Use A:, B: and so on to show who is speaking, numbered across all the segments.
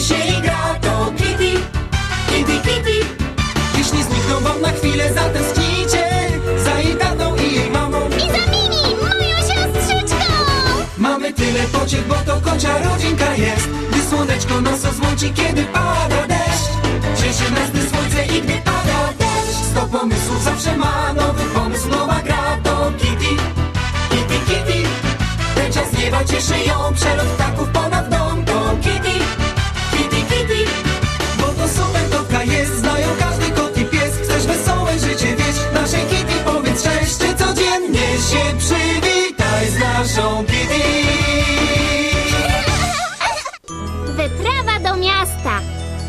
A: się i gra, to Kitty, Kitty, Kitty. Jeśli znikną wam na chwilę, zatęsknijcie za jej tatą i jej mamą.
B: I za Mimi, moją siostrzyczką!
A: Mamy tyle pociech, bo to kocia rodzinka jest. Gdy słoneczko nas złączy, kiedy pada deszcz. Cieszy nas, gdy słońce i gdy pada deszcz. 100 pomysłów zawsze ma nowy pomysł, nowa gra, to Kitty, Kitty, Kitty. Ten czas nieba cieszy ją, przelot ptaków ponad dom, to Kitty, Kitty, Kitty. Bo to super kotka jest, znają każdy kot i pies. Chcesz wesołe życie, wiesz, naszej Kitty powiedz cześć. Czy codziennie się przywitaj z naszą Kitty.
B: Wyprawa do miasta.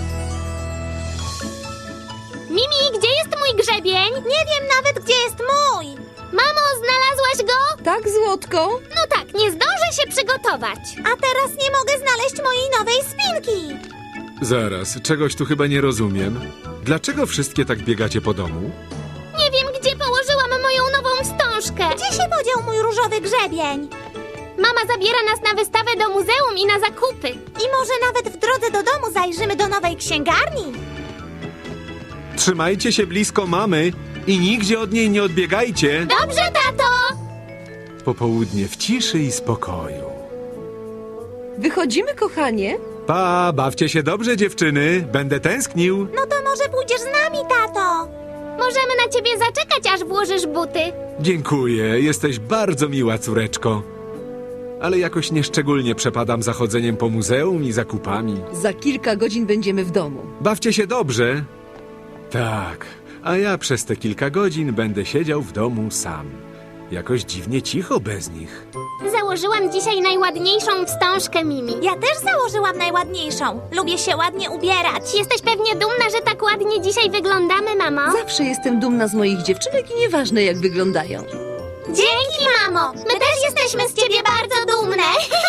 B: Mimi, gdzie jest mój grzebień? Nie wiem nawet, gdzie jest mój. Mamo, znalazłaś go?
C: Tak, Złotko?
B: No tak, nie zdążę się przygotować. A teraz nie mogę znaleźć mojej nowej spinki.
D: Zaraz, czegoś tu chyba nie rozumiem. Dlaczego wszystkie tak biegacie po domu?
B: Nie wiem, gdzie położyłam moją nową wstążkę. Gdzie się podział mój różowy grzebień? Mama zabiera nas na wystawę do muzeum i na zakupy. I może nawet w drodze do domu zajrzymy do nowej księgarni.
D: Trzymajcie się blisko mamy i nigdzie od niej nie odbiegajcie.
B: Dobrze, tato!
D: Popołudnie w ciszy i spokoju.
C: Wychodzimy, kochanie?
D: Pa, bawcie się dobrze, dziewczyny. Będę tęsknił.
B: No to może pójdziesz z nami, tato? Możemy na ciebie zaczekać, aż włożysz buty.
D: Dziękuję, jesteś bardzo miła, córeczko. Ale jakoś nieszczególnie przepadam za chodzeniem po muzeum i zakupami.
C: Za kilka godzin będziemy w domu.
D: Bawcie się dobrze. Tak, a ja przez te kilka godzin będę siedział w domu sam. Jakoś dziwnie cicho bez nich.
B: Założyłam dzisiaj najładniejszą wstążkę, Mimi. Ja też założyłam najładniejszą. Lubię się ładnie ubierać. Jesteś pewnie dumna, że tak ładnie dzisiaj wyglądamy, mamo?
C: Zawsze jestem dumna z moich dziewczynek i nieważne, jak wyglądają.
B: Dzięki, mamo! My też jesteśmy z ciebie bardzo dumne!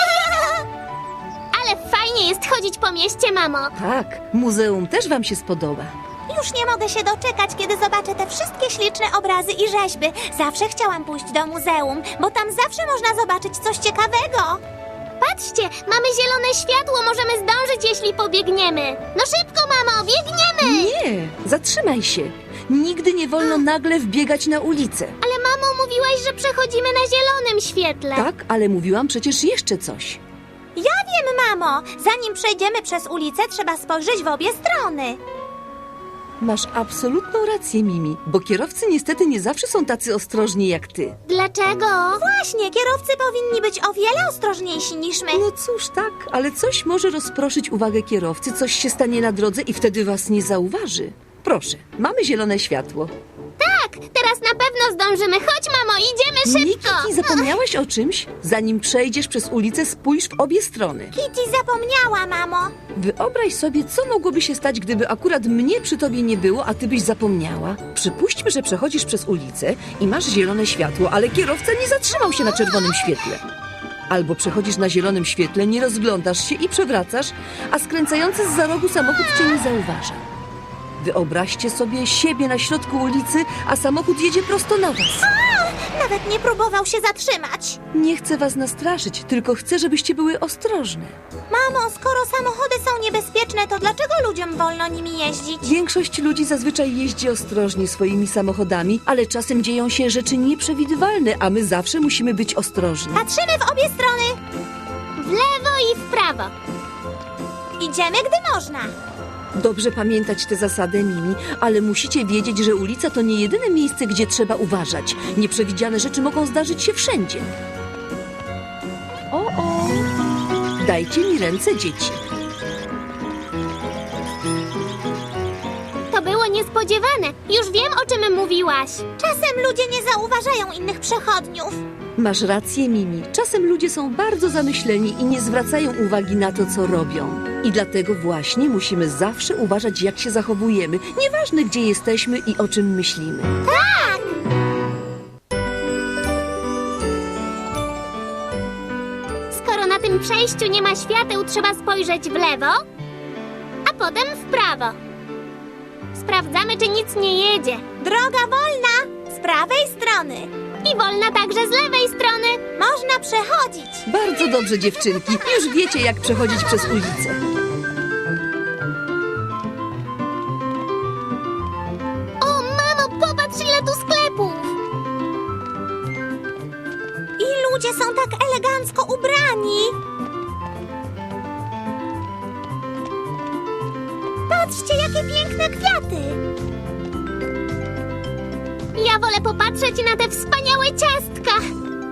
B: Ale fajnie jest chodzić po mieście, mamo!
C: Tak, muzeum też wam się spodoba.
B: Już nie mogę się doczekać, kiedy zobaczę te wszystkie śliczne obrazy i rzeźby. Zawsze chciałam pójść do muzeum, bo tam zawsze można zobaczyć coś ciekawego. Patrzcie, mamy zielone światło, możemy zdążyć, jeśli pobiegniemy. No szybko, mamo, biegniemy!
C: Nie, zatrzymaj się. Nigdy nie wolno nagle wbiegać na ulicę.
B: Ale mamo, mówiłaś, że przechodzimy na zielonym świetle.
C: Tak, ale mówiłam przecież jeszcze coś.
B: Ja wiem, mamo. Zanim przejdziemy przez ulicę, trzeba spojrzeć w obie strony.
C: Masz absolutną rację, Mimi, bo kierowcy niestety nie zawsze są tacy ostrożni jak ty.
B: Dlaczego? Właśnie, kierowcy powinni być o wiele ostrożniejsi niż my.
C: No cóż, tak, ale coś może rozproszyć uwagę kierowcy, coś się stanie na drodze i wtedy was nie zauważy. Proszę, mamy zielone światło.
B: Tak, teraz na pewno zdążymy. Chodź, mamo, idziemy szybko.
C: Niki, zapomniałaś o czymś? Zanim przejdziesz przez ulicę, spójrz w obie strony.
B: Kitty zapomniała, mamo.
C: Wyobraź sobie, co mogłoby się stać, gdyby akurat mnie przy tobie nie było, a ty byś zapomniała. Przypuśćmy, że przechodzisz przez ulicę i masz zielone światło, ale kierowca nie zatrzymał się na czerwonym świetle. Albo przechodzisz na zielonym świetle, nie rozglądasz się i przewracasz, a skręcający zza rogu samochód cię nie zauważa. Wyobraźcie sobie siebie na środku ulicy, a samochód jedzie prosto na was.
B: Nawet nie próbował się zatrzymać.
C: Nie chcę was nastraszyć, tylko chcę, żebyście były ostrożne.
B: Mamo, skoro samochody są niebezpieczne, to dlaczego ludziom wolno nimi jeździć?
C: Większość ludzi zazwyczaj jeździ ostrożnie swoimi samochodami, ale czasem dzieją się rzeczy nieprzewidywalne, a my zawsze musimy być ostrożni.
B: Patrzymy w obie strony. W lewo i w prawo. Idziemy, gdy można.
C: Dobrze pamiętać tę zasadę, Mimi, ale musicie wiedzieć, że ulica to nie jedyne miejsce, gdzie trzeba uważać. Nieprzewidziane rzeczy mogą zdarzyć się wszędzie. O! Dajcie mi ręce, dzieci.
B: To było niespodziewane. Już wiem, o czym mówiłaś. Czasem ludzie nie zauważają innych przechodniów.
C: Masz rację, Mimi. Czasem ludzie są bardzo zamyśleni i nie zwracają uwagi na to, co robią. I dlatego właśnie musimy zawsze uważać, jak się zachowujemy, nieważne gdzie jesteśmy i o czym myślimy.
B: Tak! Skoro na tym przejściu nie ma świateł, trzeba spojrzeć w lewo, a potem w prawo. Sprawdzamy, czy nic nie jedzie. Droga wolna! Z prawej strony. I wolna także z lewej strony. Można przechodzić.
C: Bardzo dobrze, dziewczynki. Już wiecie, jak przechodzić przez ulicę.
B: ludzie są tak elegancko ubrani. Patrzcie, jakie piękne kwiaty. Ja wolę popatrzeć na te wspaniałe ciastka.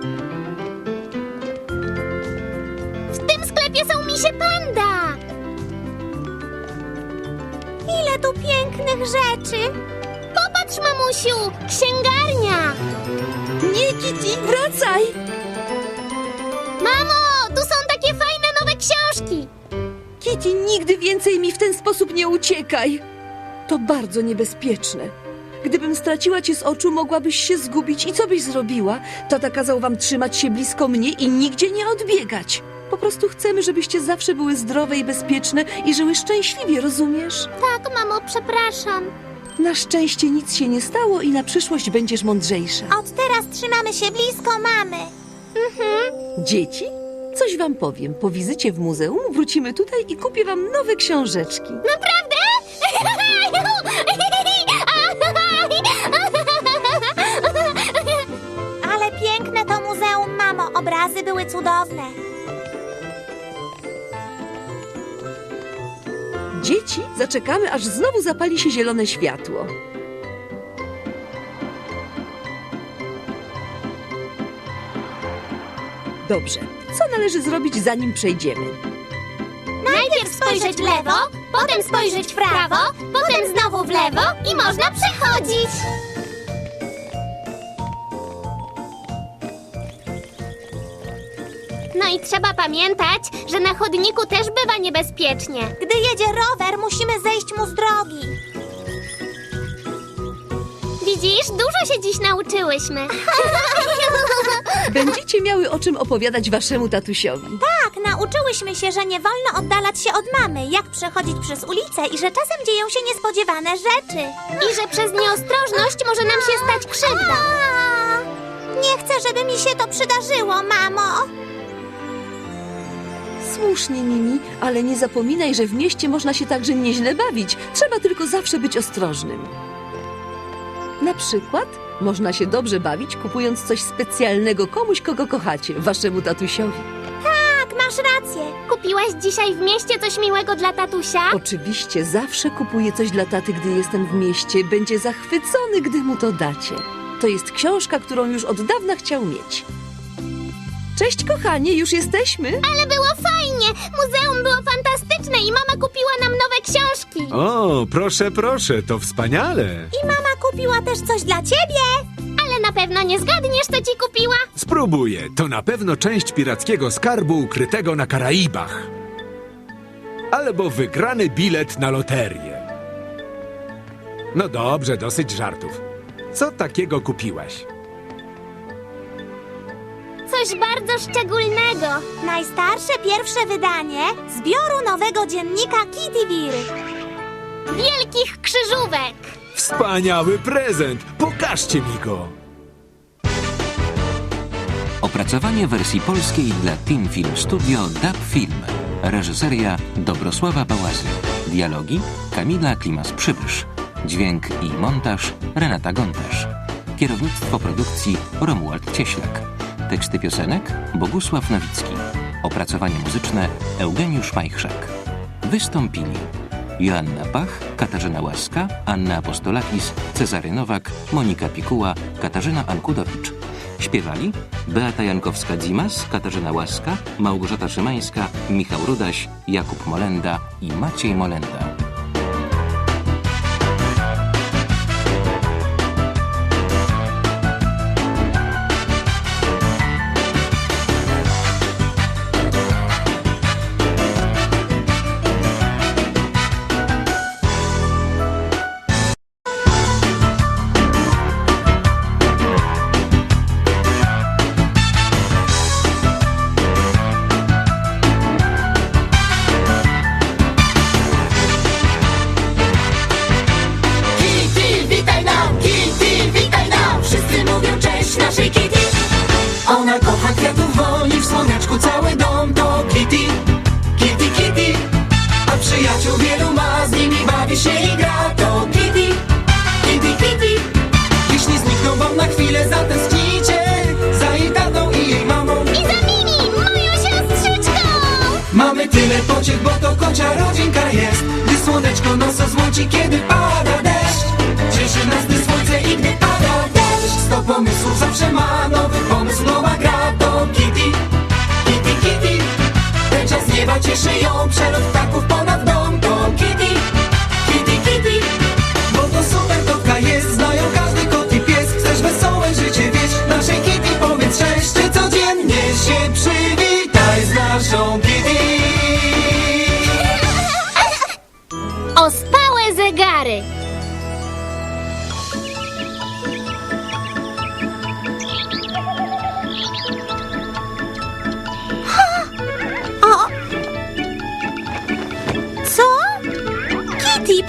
B: W tym sklepie są misie panda. Ile tu pięknych rzeczy. Popatrz, mamusiu, księgarnia.
C: Nie, Kitty, wracaj!
B: Mamo, tu są takie fajne nowe książki.
C: Kitty, nigdy więcej mi w ten sposób nie uciekaj. To bardzo niebezpieczne. Gdybym straciła cię z oczu, mogłabyś się zgubić. I co byś zrobiła? Tata kazał wam trzymać się blisko mnie i nigdzie nie odbiegać. Po prostu chcemy, żebyście zawsze były zdrowe i bezpieczne i żyły szczęśliwie, rozumiesz?
B: Tak, mamo, przepraszam.
C: Na szczęście nic się nie stało i na przyszłość będziesz mądrzejsza.
B: Od teraz trzymamy się blisko mamy.
C: Dzieci? Coś wam powiem. Po wizycie w muzeum wrócimy tutaj i kupię wam nowe książeczki.
B: Naprawdę? Ale piękne to muzeum, mamo. Obrazy były cudowne.
C: Dzieci, zaczekamy, aż znowu zapali się zielone światło. Dobrze. Co należy zrobić, zanim przejdziemy?
B: Najpierw spojrzeć w lewo, potem spojrzeć w prawo, potem znowu w lewo i można przechodzić. No i trzeba pamiętać, że na chodniku też bywa niebezpiecznie. Gdy jedzie rower, musimy zejść mu z drogi. Widzisz, dużo się dziś nauczyłyśmy.
C: Będziecie miały o czym opowiadać waszemu tatusiowi.
B: Tak, nauczyłyśmy się, że nie wolno oddalać się od mamy, jak przechodzić przez ulicę i że czasem dzieją się niespodziewane rzeczy. I że przez nieostrożność może nam się stać krzywda. Nie chcę, żeby mi się to przydarzyło, mamo.
C: Słusznie, Mimi, ale nie zapominaj, że w mieście można się także nieźle bawić. Trzeba tylko zawsze być ostrożnym. Na przykład można się dobrze bawić, kupując coś specjalnego komuś, kogo kochacie, waszemu tatusiowi.
B: Tak, masz rację. Kupiłaś dzisiaj w mieście coś miłego dla tatusia?
C: Oczywiście zawsze kupuję coś dla taty, gdy jestem w mieście. Będzie zachwycony, gdy mu to dacie. To jest książka, którą już od dawna chciał mieć. Cześć, kochanie, już jesteśmy?
B: Ale było fajnie. Muzeum było fantastyczne i mama kupiła nam nowe książki.
D: O, proszę, proszę, to wspaniale.
B: I mama kupiła też coś dla ciebie. Ale na pewno nie zgadniesz, co ci kupiła.
D: Spróbuję. To na pewno część pirackiego skarbu ukrytego na Karaibach. Albo wygrany bilet na loterię. No dobrze, dosyć żartów. Co takiego kupiłaś?
B: Coś bardzo szczególnego. Najstarsze pierwsze wydanie zbioru nowego dziennika Kittyville. Wielkich krzyżówek.
D: Wspaniały prezent! Pokażcie mi go!
E: Opracowanie wersji polskiej dla Team Film Studio DAB Film. Reżyseria Dobrosława Bałazy. Dialogi Kamila Klimas-Przybysz. Dźwięk i montaż Renata Gontarz. Kierownictwo produkcji Romuald Cieślak. Teksty piosenek Bogusław Nowicki. Opracowanie muzyczne Eugeniusz Majchrzak. Wystąpili Joanna Pach, Katarzyna Łaska, Anna Apostolakis, Cezary Nowak, Monika Pikuła, Katarzyna Ankudowicz. Śpiewali Beata Jankowska-Dzimas, Katarzyna Łaska, Małgorzata Szymańska, Michał Rudaś, Jakub Molenda i Maciej Molenda.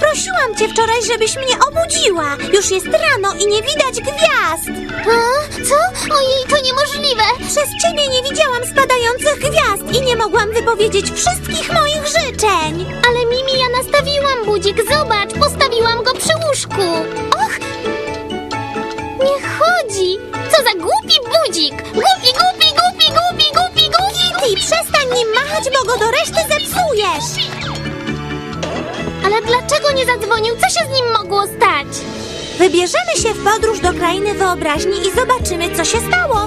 F: Prosiłam cię wczoraj, żebyś mnie obudziła. Już jest rano i nie widać gwiazd.
B: Co? Ojej, to niemożliwe!
F: Przez ciebie nie widziałam spadających gwiazd i nie mogłam wypowiedzieć wszystkich moich życzeń.
B: Ale Mimi, ja nastawiłam budzik, zobacz, postawiłam go przy łóżku. Och! Nie chodzi! Co za głupi budzik! Głupi!
F: Kitty, przestań nim machać, bo go do reszty zepsujesz.
B: Ale dlaczego nie zadzwonił? Co się z nim mogło stać?
F: Wybierzemy się w podróż do krainy wyobraźni i zobaczymy, co się stało.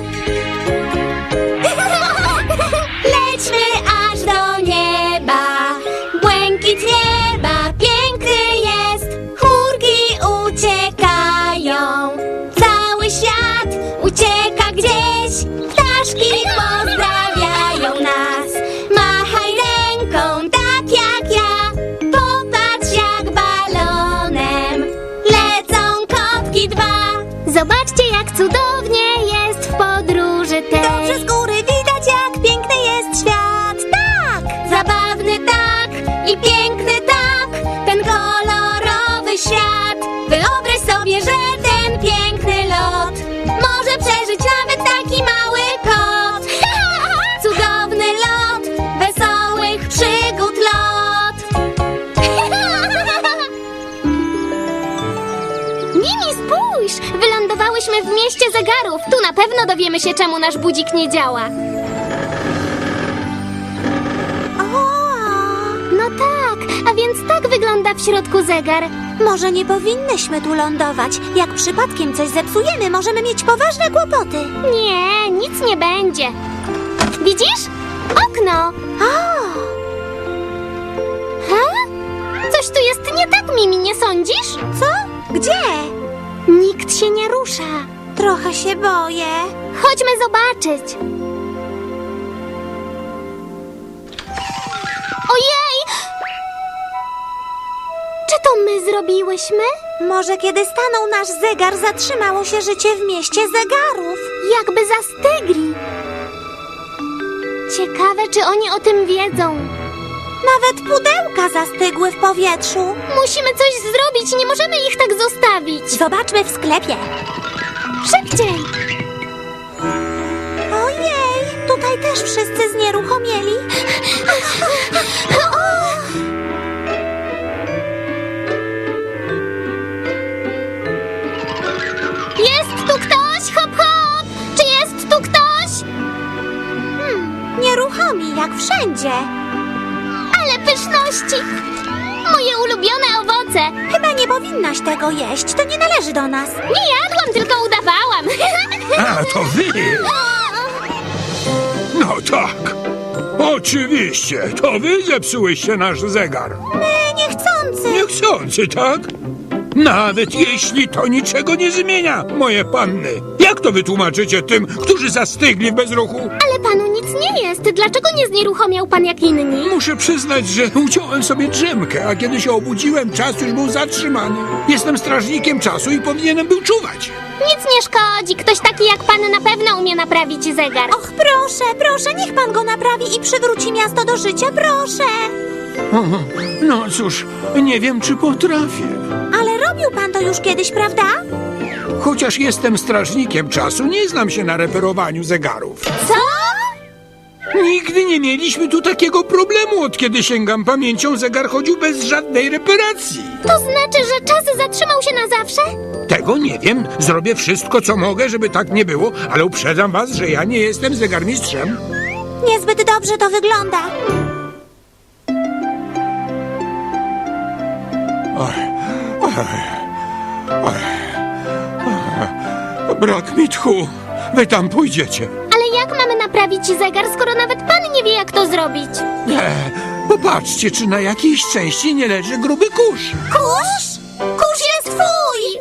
F: Lećmy aż do nieba, błękit nieba piękny jest. Chmurki uciekają, cały świat ucieka gdzieś. Ptaszki pozdrawiają nas, machaj ręką tak jak ja. Popatrz jak balonem lecą kotki dwa.
B: Zobaczcie, jak cudownie jest w podróży tej.
F: Dobrze z góry widać, jak piękny jest świat. Tak! Zabawny tak i piękny tak, ten kolorowy świat. Wyobraź sobie, że ten piękny lot może przeżyć nawet taki mały kot. Cudowny lot, wesołych przygód lot.
B: Mimi, spójrz! Wylądowałyśmy w mieście zegarów. Tu na pewno dowiemy się, czemu nasz budzik nie działa. No tak, a więc tak wygląda w środku zegar.
F: Może nie powinnyśmy tu lądować. Jak przypadkiem coś zepsujemy, możemy mieć poważne kłopoty.
B: Nie, nic nie będzie. Widzisz? Okno! Ha? Coś tu jest nie tak, Mimi, nie sądzisz?
F: Co? Gdzie?
B: Nikt się nie rusza.
F: Trochę się boję.
B: Chodźmy zobaczyć. Ojej! Czy to my zrobiłyśmy?
F: Może kiedy stanął nasz zegar, zatrzymało się życie w mieście zegarów.
B: Jakby zastygli. Ciekawe, czy oni o tym wiedzą.
F: Nawet pudełka zastygły w powietrzu.
B: Musimy coś zrobić, nie możemy ich tak zostawić.
F: Zobaczmy w sklepie.
B: Szybciej!
F: Ojej, tutaj też wszyscy znieruchomieli.
B: Jest tu ktoś? Hop, hop! Czy jest tu ktoś?
F: Nieruchomi, jak wszędzie.
B: Ale pyszności! Moje ulubione owoce!
F: Chyba nie powinnaś tego jeść, to nie należy do nas.
B: Nie jadłam, tylko udawałam.
G: A, to wy! No tak. Oczywiście, to wy zepsułyście nasz zegar.
F: My niechcący.
G: Niechcący, tak? Nawet jeśli to niczego nie zmienia, moje panny. Jak to wytłumaczycie tym, którzy zastygli w bezruchu?
B: Ale panu nic nie jest. Dlaczego nie znieruchomiał pan jak inni?
G: Muszę przyznać, że uciąłem sobie drzemkę, a kiedy się obudziłem, czas już był zatrzymany. Jestem strażnikiem czasu i powinienem był czuwać.
B: Nic nie szkodzi. Ktoś taki jak pan na pewno umie naprawić zegar.
F: Och, proszę, proszę, niech pan go naprawi i przywróci miasto do życia, proszę.
G: No cóż, nie wiem, czy potrafię.
F: Ale robił pan to już kiedyś, prawda?
G: Chociaż jestem strażnikiem czasu, nie znam się na reperowaniu zegarów.
F: Co?
G: Nigdy nie mieliśmy tu takiego problemu, od kiedy sięgam pamięcią, zegar chodził bez żadnej reparacji.
B: To znaczy, że czas zatrzymał się na zawsze?
G: Tego nie wiem, zrobię wszystko, co mogę, żeby tak nie było, ale uprzedzam was, że ja nie jestem zegarmistrzem.
F: Niezbyt dobrze to wygląda.
G: Brak mi tchu. Wy tam pójdziecie.
B: Ale jak mamy naprawić zegar, skoro nawet pan nie wie, jak to zrobić?
G: Popatrzcie, czy na jakiejś części nie leży gruby kurz.
F: Kurz? Kurz jest twój!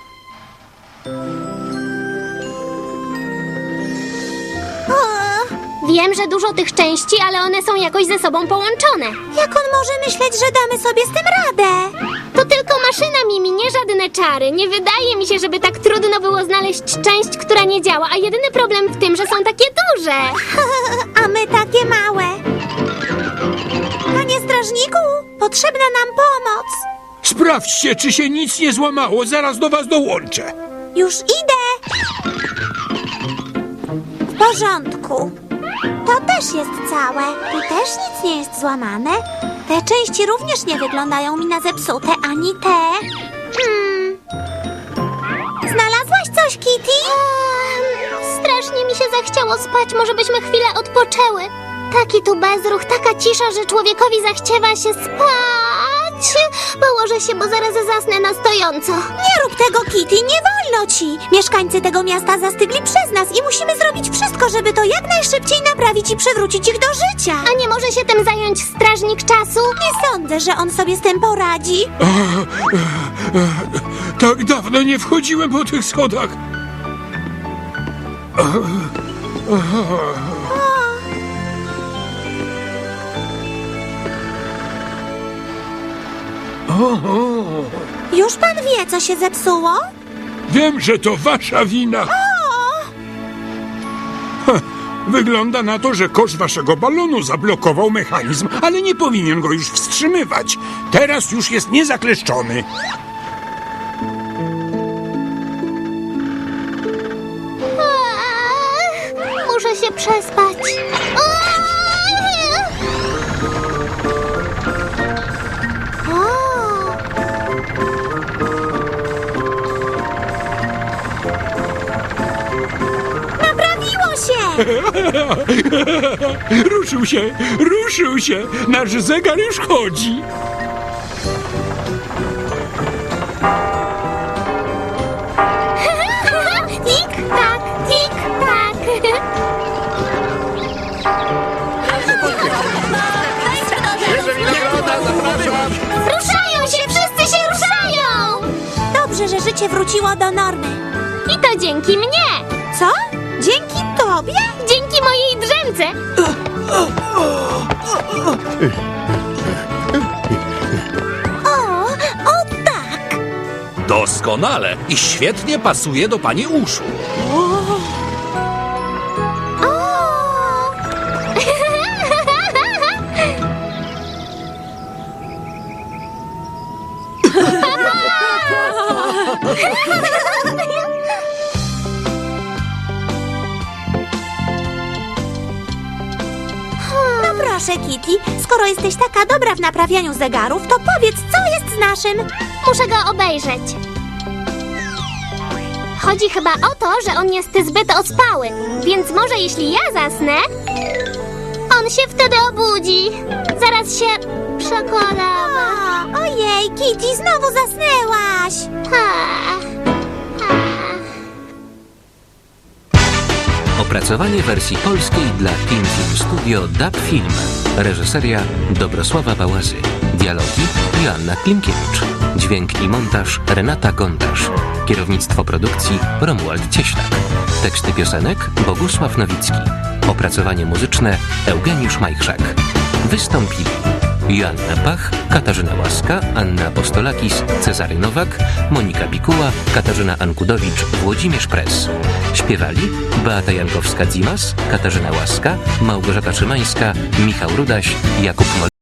B: Wiem, że dużo tych części, ale one są jakoś ze sobą połączone.
F: Jak on może myśleć, że damy sobie z tym radę?
B: To tylko maszyna, Mimi, nie żadne czary. Nie wydaje mi się, żeby tak trudno było znaleźć część, która nie działa, a jedyny problem w tym, że są takie duże.
F: A my takie małe. Panie strażniku, potrzebna nam pomoc.
G: Sprawdźcie, czy się nic nie złamało. Zaraz do was dołączę.
F: Już idę. W porządku. To też jest całe. Tu też nic nie jest złamane. Te części również nie wyglądają mi na zepsute, ani te. Znalazłaś coś, Kitty?
B: Strasznie mi się zachciało spać. Może byśmy chwilę odpoczęły. Taki tu bezruch, taka cisza, że człowiekowi zachciewa się spać. Położę się, bo zaraz zasnę na stojąco.
F: Nie rób tego, Kitty, nie wolno ci. Mieszkańcy tego miasta zastygli przez nas i musimy zrobić wszystko, żeby to jak najszybciej naprawić i przywrócić ich do życia.
B: A nie może się tym zająć strażnik czasu?
F: Nie sądzę, że on sobie z tym poradzi.
G: Tak dawno nie wchodziłem po tych schodach.
F: Już pan wie, co się zepsuło?
G: Wiem, że to wasza wina. Wygląda na to, że kosz waszego balonu zablokował mechanizm, ale nie powinien go już wstrzymywać. Teraz już jest niezakleszczony.
B: Muszę się przespać.
F: Naprawiło się!
G: Ruszył się. Nasz zegar już chodzi.
B: Tik-tak, tik-tak. Ruszają się, wszyscy się ruszają!
F: Dobrze, że życie wróciło do normy.
B: I to dzięki mnie!
F: Co? Dzięki tobie?
B: Dzięki mojej drzemce!
F: O tak!
H: Doskonale i świetnie pasuje do pani uszu.
F: No proszę, Kitty, skoro jesteś taka dobra w naprawianiu zegarów, to powiedz, co jest z naszym?
B: Muszę go obejrzeć. Chodzi chyba o to, że on jest zbyt ospały, więc może jeśli ja zasnę, on się wtedy obudzi. Zaraz się przekonamy.
F: Ojej, Kitty, znowu zasnęłaś!
E: Opracowanie wersji polskiej dla Team Film Studio DAB Film. Reżyseria Dobrosława Bałazy. Dialogi Joanna Klimkiewicz. Dźwięk i montaż Renata Gontarz. Kierownictwo produkcji Romuald Cieślak. Teksty piosenek Bogusław Nowicki. Opracowanie muzyczne Eugeniusz Majchrzak. Wystąpili Joanna Pach, Katarzyna Łaska, Anna Apostolakis, Cezary Nowak, Monika Bikuła, Katarzyna Ankudowicz, Włodzimierz Press. Śpiewali Beata Jankowska-Dzimas, Katarzyna Łaska, Małgorzata Szymańska, Michał Rudaś, Jakub Mol.